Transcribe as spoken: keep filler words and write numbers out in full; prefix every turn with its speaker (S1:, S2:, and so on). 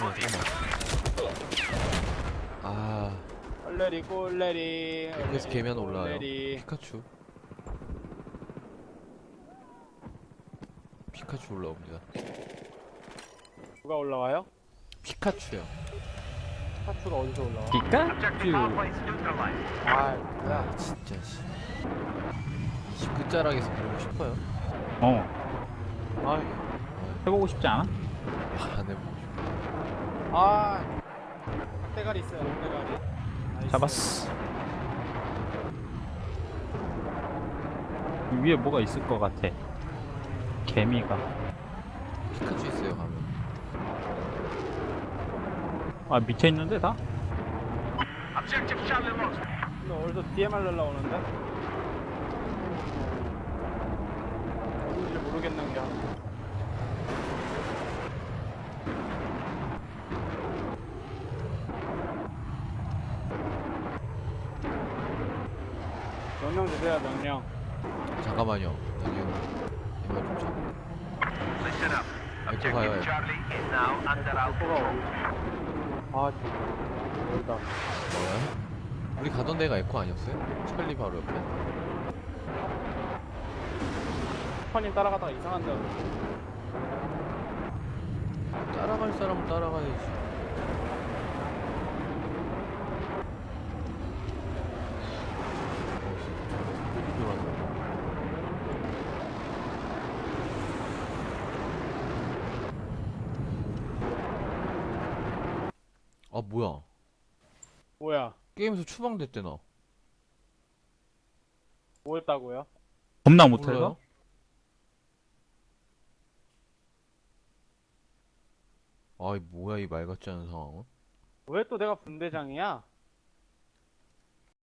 S1: 아,
S2: 꼴레리 꼴레리.
S1: 그래서 개면 올라와요.
S2: 꼴레리.
S1: 피카츄. 피카츄 올라옵니다.
S2: 누가 올라와요?
S1: 피카츄요.
S2: 파츠가 어디서 올라와?
S3: 피카츄.
S2: 아, 뭐야?
S1: 아, 진짜 씨. 이십 끝자락에서 보고 싶어요.
S3: 어.
S2: 아,
S3: 해보고 싶지 않아?
S1: 안 해보고 싶어.
S2: 아, 떼가리 있어요. 떼가리. 나이스.
S3: 잡았어. 위에 뭐가 있을 것 같아. 개미가.
S1: 피카츄 있어요, 가면.
S3: 아, 밑에 있는데 다?
S2: 근데 어디서 디엠알 날라오는데? 누군지 모르겠는 게. 명령 주세요, 명령.
S1: 잠깐만요. 여기 이거 좀 참. 에코 가요, 에코.
S2: 에코가 어디? 아, 멀다.
S1: 뭐야? 우리 가던 데가 에코 아니었어요? 찰리 바로 옆에?
S2: 슈퍼님 따라가다가 이상한 데
S1: 따라갈 사람은 따라가야지. 아, 뭐야?
S2: 뭐야?
S1: 게임에서 추방됐대, 나.
S2: 뭐 했다고요?
S3: 겁나 못해서?
S1: 몰라요? 아이, 뭐야, 이 말 같지 않은 상황은?
S2: 왜 또 내가 분대장이야?